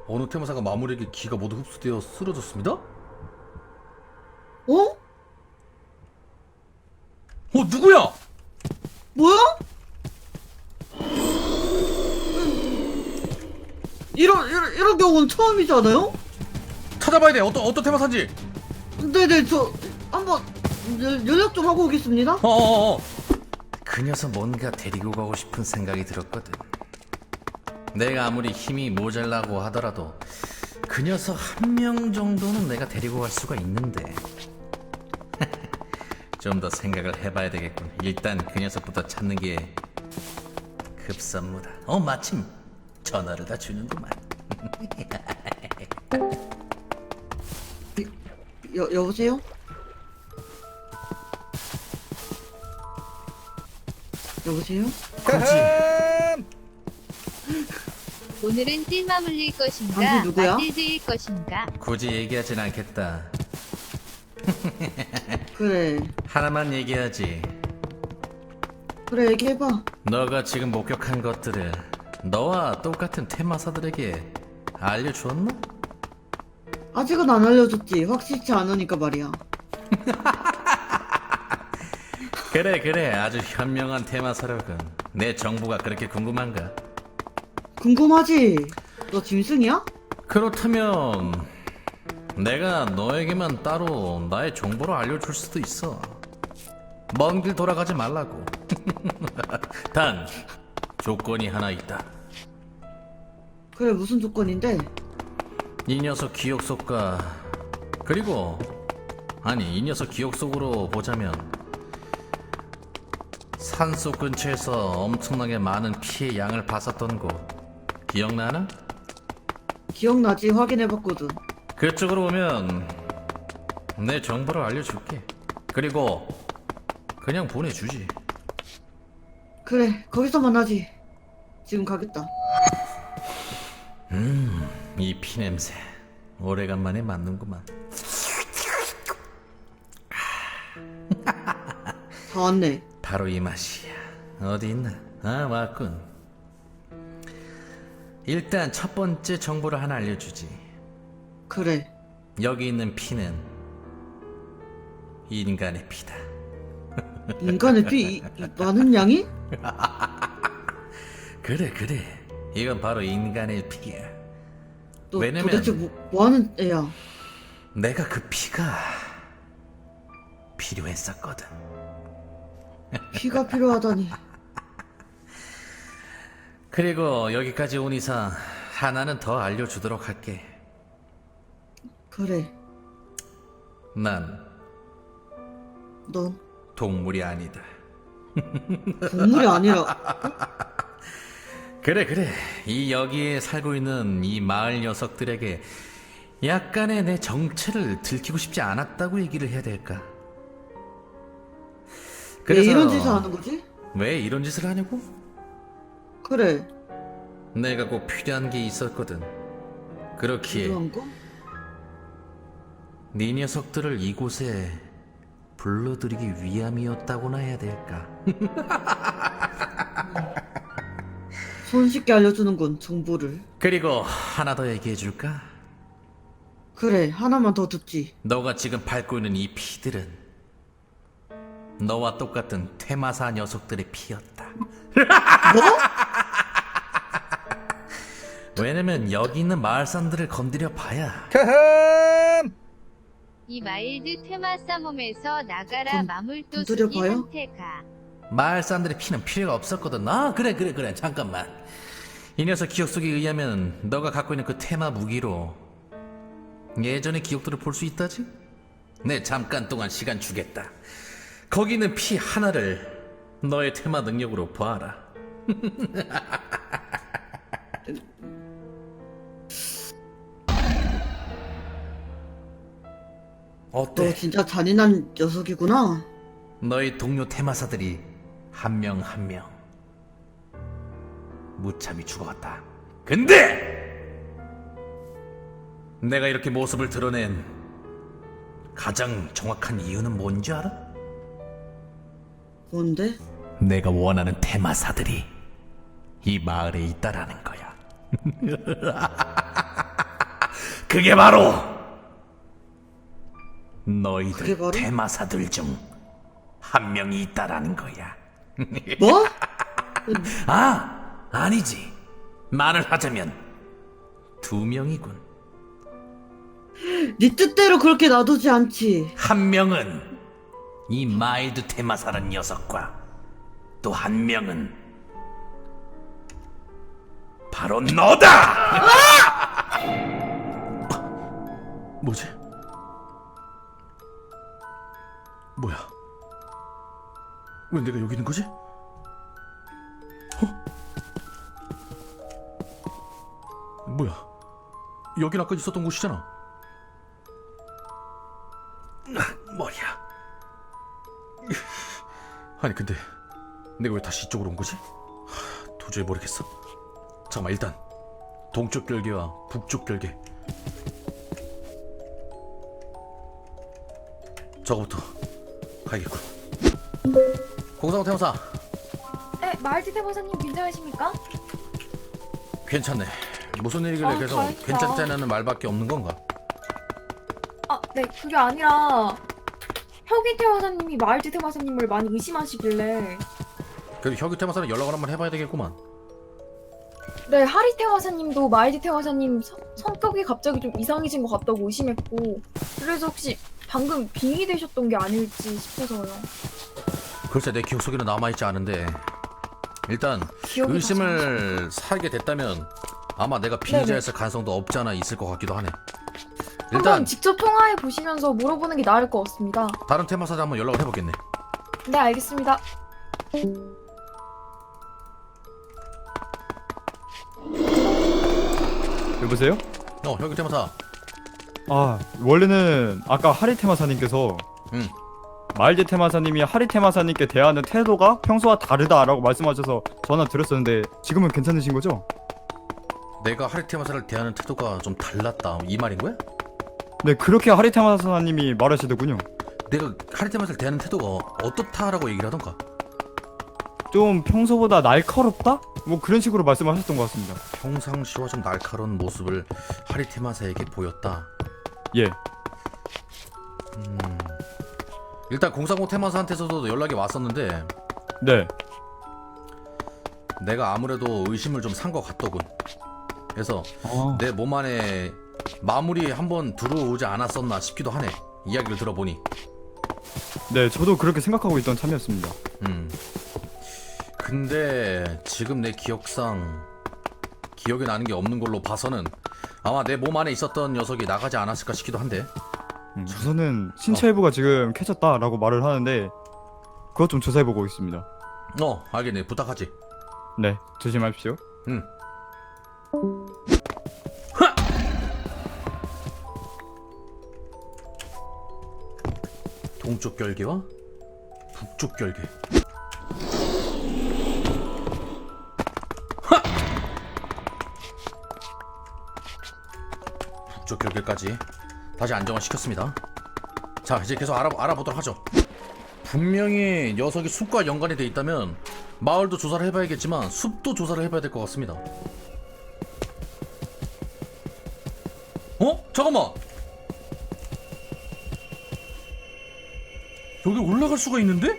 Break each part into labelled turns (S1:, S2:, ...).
S1: 어느 테마사가 마무리에게 기가 모두 흡수되어 쓰러졌습니다?
S2: 어?
S1: 누구야?
S2: 뭐야? 이런 경우는 처음이잖아요?
S1: 찾아봐야 돼. 어떤 테마사인지.
S2: 네네, 저 한번 연락 좀 하고 오겠습니다.
S1: 그 녀석 뭔가 데리고 가고 싶은 생각이 들었거든. 내가 아무리 힘이 모자라고 하더라도 그 녀석 한 명 정도는 내가 데리고 갈 수가 있는데. 좀 더 생각을 해봐야 되겠군. 일단 그 녀석부터 찾는 게 급선무다. 마침 전화를 다 주는구만.
S2: 여보세요? 여보세요?
S1: 그렇지.
S3: 오늘은 찔마 물릴 것인가
S2: 당신 누구야?
S3: 맞딜질 것인가.
S1: 굳이 얘기하진 않겠다.
S2: 그래
S1: 하나만 얘기하지.
S2: 그래, 얘기해봐.
S1: 너가 지금 목격한 것들을 너와 똑같은 테마사들에게 알려주었나?
S2: 아직은 안 알려줬지. 확실치 않으니까 말이야.
S1: 그래 아주 현명한 테마사력은. 내 정보가 그렇게 궁금한가?
S2: 궁금하지? 너 짐승이야?
S1: 그렇다면 내가 너에게만 따로 나의 정보를 알려줄 수도 있어. 먼 길 돌아가지 말라고. 단 조건이 하나 있다.
S2: 그래, 무슨 조건인데?
S1: 이 녀석 기억 속과 그리고 이 녀석 기억 속으로 보자면 산속 근처에서 엄청나게 많은 피해 양을 봤었던 곳 기억나나?
S2: 기억나지? 확인해봤거든.
S1: 그쪽으로 오면 내 정보를 알려줄게. 그리고 그냥 보내주지.
S2: 그래, 거기서 만나지. 지금 가겠다.
S1: 이 피냄새 오래간만에 맡는구만.
S2: 다 왔네.
S1: 바로 이 맛이야. 어디 있나? 왔군. 일단 첫 번째 정보를 하나 알려주지.
S2: 그래.
S1: 여기 있는 피는 인간의 피다.
S2: 인간의 피 많은 양이?
S1: 그래 이건 바로 인간의 피야.
S2: 너
S1: 왜냐면
S2: 도대체 뭐 하는 애야?
S1: 내가 그 피가 필요했었거든.
S2: 피가 필요하다니.
S1: 그리고 여기까지 온 이상 하나는 더 알려주도록 할게.
S2: 그래,
S1: 난
S2: 넌
S1: 동물이 아니다.
S2: 동물이 아니라.
S1: 그래 이 여기에 살고 있는 이 마을 녀석들에게 약간의 내 정체를 들키고 싶지 않았다고 얘기를 해야 될까?
S2: 왜 이런 짓을 하는 거지?
S1: 왜 이런 짓을 하냐고?
S2: 그래,
S1: 내가 꼭 필요한 게 있었거든. 그렇기에
S2: 필요한 거?
S1: 네 녀석들을 이곳에 불러들이기 위함이었다고나 해야 될까?
S2: 손쉽게 알려주는군, 정보를.
S1: 그리고 하나 더 얘기해줄까?
S2: 그래, 하나만 더 듣지.
S1: 너가 지금 밟고 있는 이 피들은 너와 똑같은 퇴마사 녀석들의 피였다.
S2: 뭐?
S1: 왜냐면 여기 있는 마을 사람들을 건드려 봐야
S3: 이 마일드 테마사 몸에서 나가라 마물도
S2: 두드려
S3: 수기
S2: 봐요?
S3: 한테가.
S1: 마을 사람들의 피는 필요가 없었거든. 그래 잠깐만. 이 녀석 기억 속에 의하면 너가 갖고 있는 그 테마 무기로 예전의 기억들을 볼 수 있다지? 네, 잠깐 동안 시간 주겠다. 거기 있는 피 하나를 너의 테마 능력으로 봐라.
S2: 너
S1: 어때?
S2: 진짜 잔인한 녀석이구나.
S1: 너의 동료 테마사들이 한 명 한 명 무참히 죽어갔다. 근데 내가 이렇게 모습을 드러낸 가장 정확한 이유는 뭔지 알아?
S2: 뭔데?
S1: 내가 원하는 테마사들이 이 마을에 있다라는 거야. 그게 바로
S2: 그게
S1: 너희들
S2: 바로?
S1: 테마사들 중 한 명이 있다라는 거야.
S2: 뭐?
S1: 아니지. 말을 하자면 2명이군.
S2: 네 뜻대로 그렇게 놔두지 않지.
S1: 한 명은 이 마일드 테마사란 녀석과 또 한 명은 바로 너다! 뭐지? 뭐야? 왜 내가 여기 있는 거지? 뭐야? 여긴 아까 있었던 곳이잖아. 머리야. 아니 근데 내가 왜 다시 이쪽으로 온 거지? 도저히 모르겠어. 잠깐만, 일단 동쪽 결계와 북쪽 결계 저거부터 가야겠군. 공사고 태무사.
S4: 네, 마을티 대보사님 괜찮으십니까?
S1: 괜찮네. 무슨 일이길래 계속
S4: 다행이다.
S1: 괜찮다는 말밖에 없는 건가?
S4: 아, 네, 그게 아니라 혁이 대보사님이 마을티 대보사님을 많이 의심하시길래
S1: 그래도 혁유 테마사는 연락을 한번 해봐야 되겠구만.
S4: 네, 하리 대보사님도 마을티 대보사님 성격이 갑자기 좀 이상해진 것 같다고 의심했고 그래서 혹시 방금 빙의 되셨던 게 아닐지 싶어서요.
S1: 글쎄 내 기억 속에는 남아있지 않은데 일단
S4: 기억이
S1: 의심을 사게 됐다면 아마 내가 피해자였을 가능성도 없지 않아 있을 것 같기도 하네.
S4: 한번
S1: 일단
S4: 직접 통화해 보시면서 물어보는 게 나을 것 같습니다.
S1: 다른 테마사에 한번 연락을 해보겠네.
S4: 네, 알겠습니다.
S5: 여보세요?
S1: 혁유 테마사.
S5: 아, 원래는 아까 하리 테마사님께서
S1: 응.
S5: 마일드 테마사님이 하리 테마사님께 대하는 태도가 평소와 다르다라고 말씀하셔서 전화 드렸었는데 지금은 괜찮으신 거죠?
S1: 내가 하리 테마사를 대하는 태도가 좀 달랐다 이 말인 거야?
S5: 네, 그렇게 하리 테마사님이 말하시더군요.
S1: 내가 하리 테마사를 대하는 태도가 어떻다라고 얘기를 하던가?
S5: 좀 평소보다 날카롭다? 뭐 그런 식으로 말씀하셨던 것 같습니다.
S1: 평상시와 좀 날카로운 모습을 하리 테마사에게 보였다.
S5: 예.
S1: 일단 공상공 테마사한테서도 연락이 왔었는데
S5: 네.
S1: 내가 아무래도 의심을 좀 산 것 같더군. 그래서
S5: 아,
S1: 내 몸 안에 마물이 한번 들어오지 않았었나 싶기도 하네. 이야기를 들어보니.
S5: 네, 저도 그렇게 생각하고 있던 참이었습니다.
S1: 근데 지금 내 기억상 기억에 나는 게 없는 걸로 봐서는 아마 내 몸 안에 있었던 녀석이 나가지 않았을까 싶기도 한데.
S5: 우선은 신체 일부가 지금 캐졌다라고 말을 하는데 그것 좀 조사해보고 있습니다.
S1: 알겠네. 부탁하지.
S5: 네, 조심하십시오.
S1: 응. 동쪽 결계와 북쪽 결계. 북쪽 결계까지 다시 안정화 시켰습니다. 자, 이제 계속 알아보도록 하죠. 분명히 녀석이 숲과 연관이 돼 있다면 마을도 조사를 해봐야겠지만 숲도 조사를 해봐야 될 것 같습니다. 잠깐만. 여기 올라갈 수가 있는데?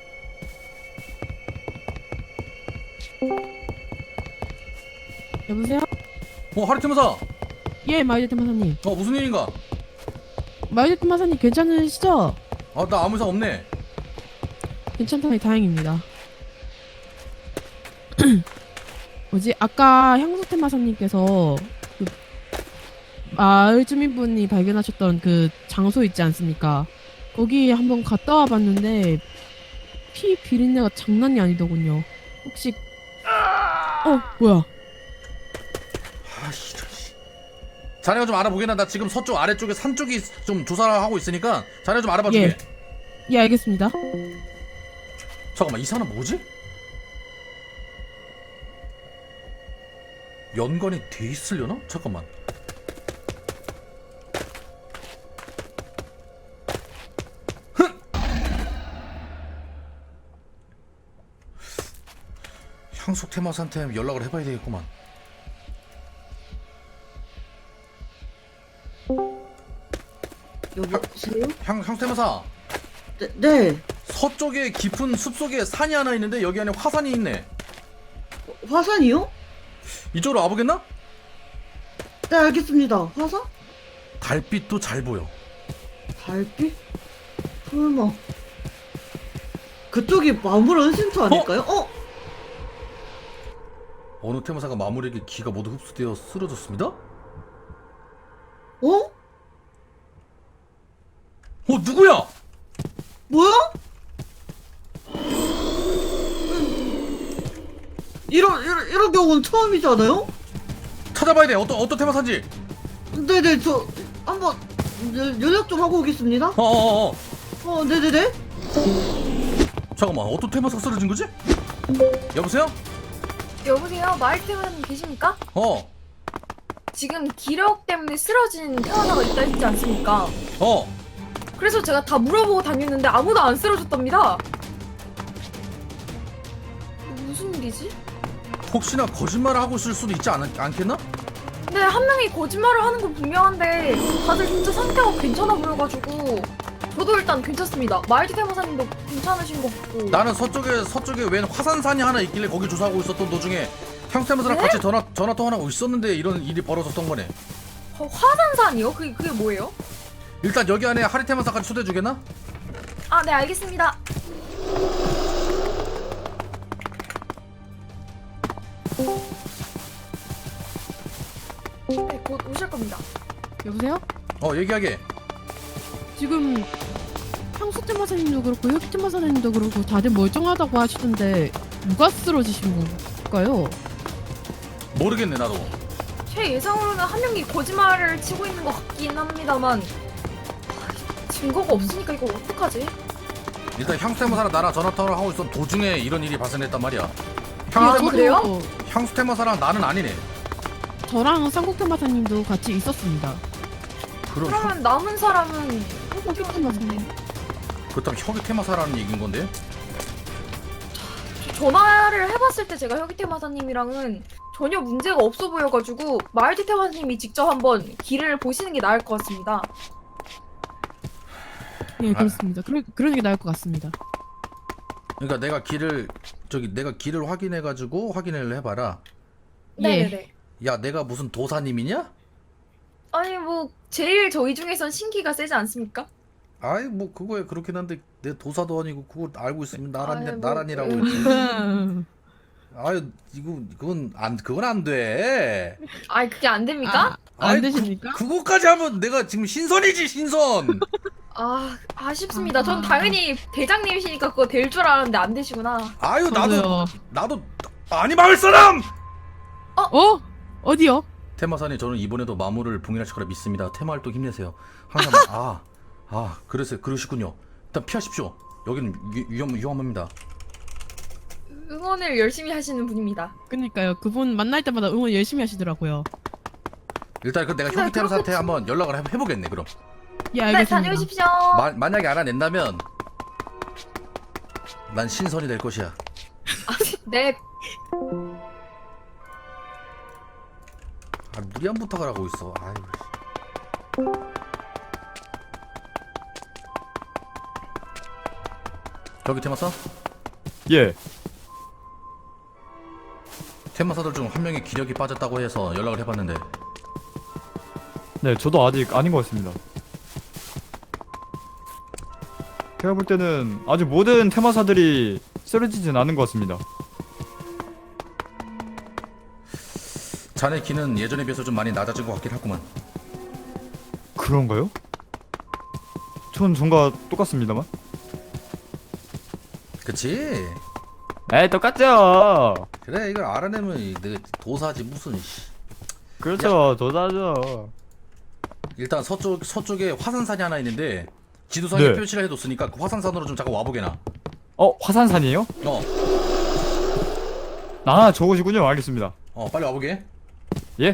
S6: 여보세요?
S1: 하리테마사.
S6: 예, 마이데트 마사님.
S1: 무슨 일인가?
S6: 마이데트 마사님 괜찮으시죠?
S1: 나 아무 이상 없네.
S6: 괜찮다니 다행입니다. 뭐지? 아까 향수태 마사님께서 그 마을 주민분이 발견하셨던 그 장소 있지 않습니까? 거기 한번 갔다 와봤는데 피 비린내가 장난이 아니더군요. 혹시 뭐야?
S1: 아씨. 자네가 좀 알아보게나. 나 지금 서쪽 아래쪽에 산 쪽이 좀 조사를 하고 있으니까 자네 좀 알아봐주게.
S6: 예, 알겠습니다.
S1: 잠깐만, 이 산은 뭐지? 연관이 돼 있으려나? 잠깐만. 향속 테마사한테 연락을 해봐야 되겠구만.
S2: 여보세요?
S1: 향수 테마사.
S2: 네.
S1: 서쪽에 깊은 숲속에 산이 하나 있는데 여기 안에 화산이 있네.
S2: 화산이요?
S1: 이쪽으로 와보겠나?
S2: 네, 알겠습니다. 화산?
S1: 달빛도 잘 보여.
S2: 달빛? 설마. 그쪽이 마물 은신처 아닐까요?
S1: 어느 테마사가 마물에게 기가 모두 흡수되어 쓰러졌습니다?
S2: 어?
S1: 누구야?
S2: 뭐야? 이런 경우는 처음이잖아요?
S1: 찾아봐야 돼. 어떤 테마사인지.
S2: 네네, 저 한번 연락 좀 하고 오겠습니다. 네네네.
S1: 잠깐만, 어떤 테마사가 쓰러진 거지? 여보세요?
S4: 여보세요? 마을드 테마사님 계십니까? 지금 기력 때문에 쓰러진 태화사가 있다 했지 않습니까? 그래서 제가 다 물어보고 다녔는데 아무도 안 쓰러졌답니다. 무슨 일이지?
S1: 혹시나 거짓말을 하고 있을 수도 있지 않겠나?
S4: 네, 한 명이 거짓말을 하는 건 분명한데 다들 진짜 상태가 괜찮아 보여가지고 저도 일단 괜찮습니다. 마을드 테마사님도 괜찮으신 것 같고.
S1: 나는 서쪽에 웬 화산산이 하나 있길래 거기 조사하고 있었던 도중에 향수 테마사랑
S4: 네?
S1: 같이 전화 통화하고 있었는데 이런 일이 벌어졌던 거네.
S4: 화산산이요? 그게 뭐예요?
S1: 일단 여기 안에 하리 테마사까지 초대해 주겠나?
S4: 아, 네, 알겠습니다. 네, 곧 오실 겁니다.
S6: 여보세요?
S1: 얘기하게.
S6: 지금 향수 테마사님도 그렇고 혁 테마사님도 그렇고 다들 멀쩡하다고 하시던데 누가 쓰러지신 건가요?
S1: 모르겠네 나도.
S4: 제 예상으로는 한 명이 거짓말을 치고 있는 것 같긴 합니다만 증거가 없으니까 이거 어떡하지?
S1: 일단 향수 테마사랑 나랑 전화 통화를 하고 있었던 도중에 이런 일이 발생했단 말이야.
S4: 아,
S6: 저도
S4: 그래요?
S1: 향수 테마사랑 나는 아니네.
S6: 저랑 쌍국 테마사님도 같이 있었습니다.
S4: 그러면 남은 사람은
S6: 혁 테마사님.
S1: 그렇다면 혁이 테마사라는 얘기인 건데?
S4: 전화를 해봤을 때 제가 혁이테마사님이랑은 전혀 문제가 없어 보여가지고 마을디 테마사님이 직접 한번 길을 보시는 게 나을 것 같습니다.
S6: 예, 그렇습니다. 그러는 게 나을 것 같습니다.
S1: 그러니까 내가 길을 확인해가지고 확인을 해봐라.
S6: 예.
S4: 네네네.
S1: 야, 내가 무슨 도사님이냐?
S4: 아니 뭐 제일 저희 중에선 신기가 세지 않습니까?
S1: 아이 뭐 그거야 그렇긴 한데 내 도사도 아니고 그걸 알고 있으면
S4: 아이, 뭐,
S1: 나란이라고 했지. 아유 그건 안 돼.
S4: 아니 그게 안 됩니까?
S1: 아이,
S6: 안 되십니까?
S1: 그거까지 하면 내가 지금 신선이지 신선.
S4: 아 아쉽습니다. 전 당연히 대장님이시니까 그거 될 줄 알았는데 안 되시구나.
S1: 아유
S6: 저도요.
S1: 나도 많이 막을 사람.
S6: 어디요?
S1: 테마사님 저는 이번에도 마무를 봉인하실 거라 믿습니다. 테마 활동 힘내세요. 항상 그러시군요. 일단 피하십시오. 여기는 위험합니다.
S4: 응원을 열심히 하시는 분입니다.
S6: 그니까요. 그분 만날 때마다 응원 열심히 하시더라고요.
S1: 일단 내가
S4: 네,
S1: 혁이 테마사한테 한번 연락을 해보겠네 그럼.
S6: 예,
S4: 네
S6: 알겠습니다.
S4: 다녀오십시오.
S1: 만약에 알아낸다면 난 신선이 될 것이야.
S4: 네.
S1: 무리한 부탁을 하고 있어. 아유. 저기 테마사?
S5: 예.
S1: 테마사들 중 한 명이 기력이 빠졌다고 해서 연락을 해봤는데
S5: 네, 저도 아직 아닌 것 같습니다. 제가 볼 때는 아직 모든 테마사들이 쓰러지진 않은 것 같습니다.
S1: 자네 기는 예전에 비해서 좀 많이 낮아진 것 같긴 하구만.
S5: 그런가요? 전 전과 똑같습니다만.
S1: 그치?
S5: 에이, 똑같죠.
S1: 그래 이걸 알아내면 내 도사지 무슨
S5: 그렇죠, 도사죠.
S1: 일단 서쪽에 화산산이 하나 있는데 지도상에
S5: 네.
S1: 표시를 해뒀으니까 그 화산산으로 좀 잠깐 와보게나.
S5: 화산산이에요? 저곳이군요. 알겠습니다.
S1: 빨리 와보게.
S5: 예?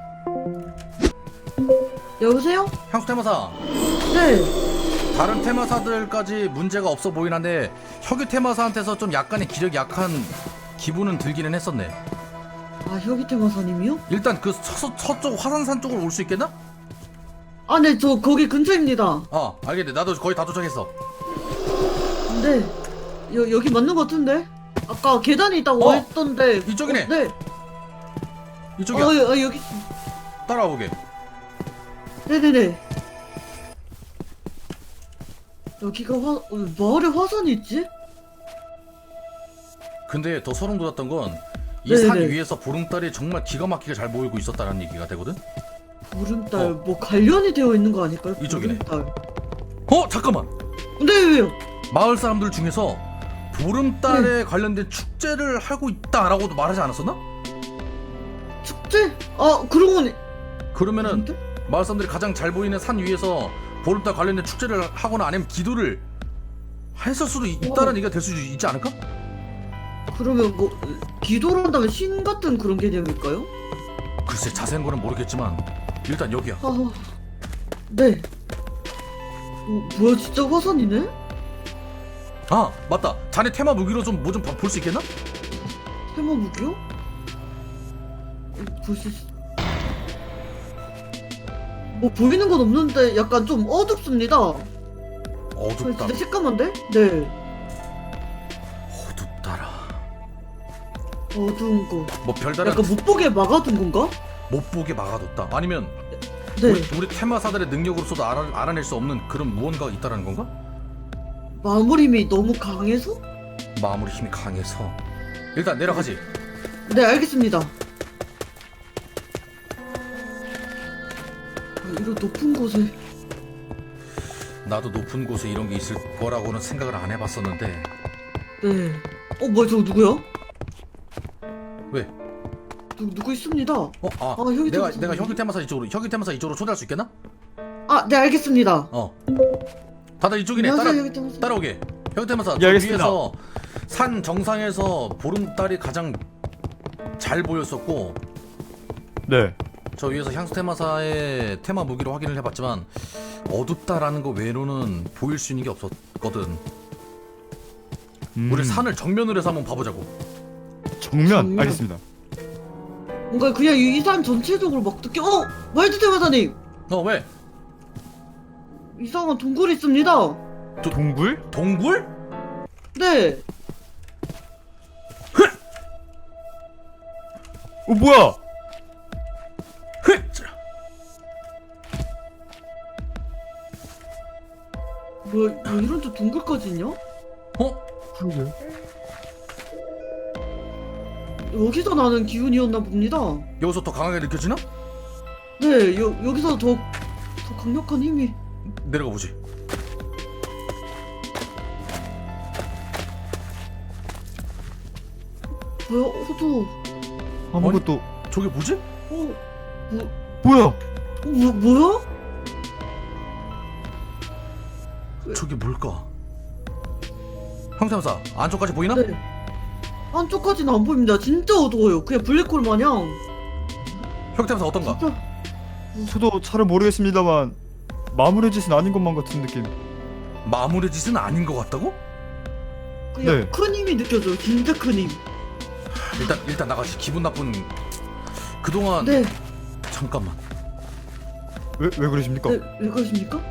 S2: 여보세요?
S1: 향수 테마사.
S2: 네.
S1: 다른 테마사들까지 문제가 없어 보이긴 한데 혁유 테마사한테서 좀 약간의 기력이 약한 기분은 들기는 했었네.
S2: 아, 혁이 테마사님이요?
S1: 일단 그 서쪽 화산산 쪽으로 올 수 있겠나?
S2: 아, 네, 저 거기 근처입니다.
S1: 알겠네. 나도 거의 다 도착했어.
S2: 네. 여기 맞는 것 같은데? 아까 계단이 있다고 했던데.
S1: 이쪽이네.
S2: 네.
S1: 이쪽이야.
S2: 여기.
S1: 따라와 보게.
S2: 네네네. 여기가 마을에 화산이 있지?
S1: 근데 더 소름 돋았던 건 이
S2: 네네네.
S1: 산 위에서 보름달이 정말 기가 막히게 잘 보이고 있었다는 얘기가 되거든.
S2: 보름달, 뭐 관련이 되어 있는 거 아닐까요?
S1: 이쪽이네.
S2: 보름달.
S1: 잠깐만.
S2: 근데 왜요?
S1: 마을 사람들 중에서 보름달에 관련된 축제를 하고 있다라고도 말하지 않았었나?
S2: 축제? 아, 그런 거니.
S1: 그러면은
S2: 근데?
S1: 마을 사람들이 가장 잘 보이는 산 위에서 보름달 관련된 축제를 하거나 아니면 기도를 했을 수도 있다는 얘기가 될 수 있지 않을까?
S2: 그러면 뭐 기도를 한다면 신 같은 그런 개념일까요?
S1: 글쎄 자세한 거는 모르겠지만 일단 여기야.
S2: 아, 네. 뭐야, 진짜 화산이네?
S1: 맞다. 자네 테마 무기로 좀 뭐 좀 볼 수 있겠나?
S2: 테마 무기요? 볼 수 있... 뭐 보이는 건 없는데 약간 좀 어둡습니다.
S1: 어둡다.
S2: 진짜 새까만데? 네.
S1: 어둡다라.
S2: 어두운 거.
S1: 뭐 별다른
S2: 약간 못 보게 막아둔 건가?
S1: 못 보게 막아뒀다. 아니면
S2: 네.
S1: 우리 테마사들의 능력으로서도 알아낼 수 없는 그런 무언가가 있다라는 건가?
S2: 마무리 힘이 너무 강해서?
S1: 마무리 힘이 강해서. 일단 내려가지.
S2: 네, 알겠습니다. 이런 높은 곳에.
S1: 나도 높은 곳에 이런 게 있을 거라고는 생각을 안 해봤었는데.
S2: 네. 뭐야, 저거 누구야?
S1: 왜?
S2: 누구 있습니다. 혁이
S1: 내가
S2: 테마사.
S1: 혁이 테마사 이쪽으로 초대할 수 있겠나?
S2: 네, 알겠습니다.
S1: 다들 이쪽이네.
S2: 안녕하세요, 혁이 테마사.
S1: 따라오게. 혁이 테마사.
S5: 예, 알겠습니다.
S1: 위에서 산 정상에서 보름달이 가장 잘 보였었고,
S5: 네.
S1: 저 위에서 향수 테마사의 테마 무기로 확인을 해봤지만 어둡다라는 거 외로는 보일 수 있는 게 없었거든. 우리 산을 정면으로 해서 한번 봐보자고.
S5: 정면. 알겠습니다.
S2: 뭔가 그냥 이 산 전체적으로 막 느껴. 말드 테마사님!
S1: 왜?
S2: 이상한 동굴이 있습니다.
S5: 동굴?
S1: 동굴?
S2: 네.
S5: 뭐야?
S2: 뭐 이런 데 동굴까지 있냐?
S5: 그러게.
S2: 여기서 나는 기운이었나 봅니다.
S1: 여기서 더 강하게 느껴지나?
S2: 네, 여기서 더 강력한 힘이.
S1: 내려가 보지.
S2: 뭐야, 어두워.
S5: 아무것도.
S1: 저게 뭐지?
S5: 뭐야?
S2: 뭐야?
S1: 저게 뭘까? 형사무사 안쪽까지 보이나?
S2: 네. 한쪽까지는 안 보입니다. 진짜 어두워요. 그냥 블랙홀 마냥.
S1: 형사무사 어떤가?
S2: 진짜.
S5: 저도 잘은 모르겠습니다만 마무리 짓은 아닌 것만 같은 느낌.
S1: 마무리 짓은 아닌 것 같다고?
S2: 그냥
S5: 네.
S2: 큰 힘이 느껴져요. 진짜 큰 힘.
S1: 일단 나가지. 기분 나쁜. 그동안
S2: 네.
S1: 잠깐만.
S5: 왜 그러십니까?
S2: 네, 왜 그러십니까?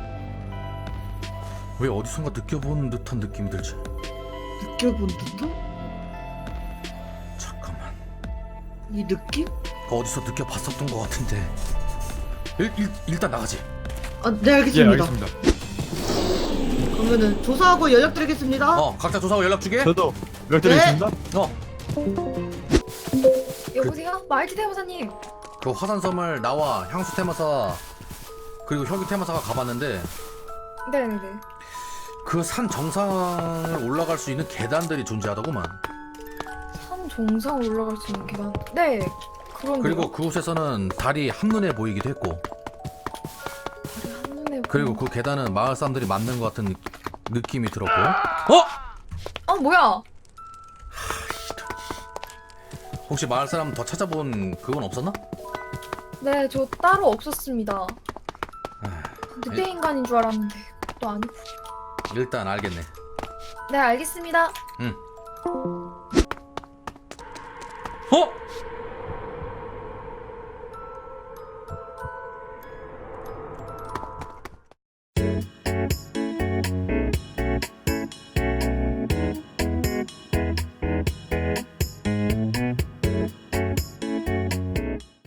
S1: 왜 어디선가 느껴본 듯한 느낌이 들지?
S2: 느껴본 듯한?
S1: 잠깐만.
S2: 이 느낌?
S1: 어디서 느껴봤었던 것 같은데. 일단 나가지.
S2: 네,
S5: 예,
S2: 알겠습니다.
S5: 알겠습니다.
S2: 그러면은 조사하고 연락드리겠습니다.
S1: 각자 조사하고 연락 주게.
S5: 저도 연락드리겠습니다.
S4: 여보세요? 말티 대모사님.
S1: 그 화산섬을 나와 향수 테마사 그리고 혁이 테마사가 가봤는데
S4: 네네네.
S1: 그 산 정상을 올라갈 수 있는 계단들이 존재하더구만.
S4: 산 정상 올라갈 수 있는 계단. 네. 그런.
S1: 그리고 그곳에서는 달이 한눈에 보이기도 했고,
S4: 한눈에.
S1: 그리고 그 계단은 마을 사람들이 만든 것 같은 느낌이 들었고.
S4: 뭐야?
S1: 혹시 마을 사람 더 찾아본 그건 없었나?
S4: 네, 저 따로 없었습니다. 늑대
S1: 예.
S4: 인간인 줄 알았는데 그것도 아니고.
S1: 일단 알겠네.
S4: 네, 알겠습니다.
S1: 응.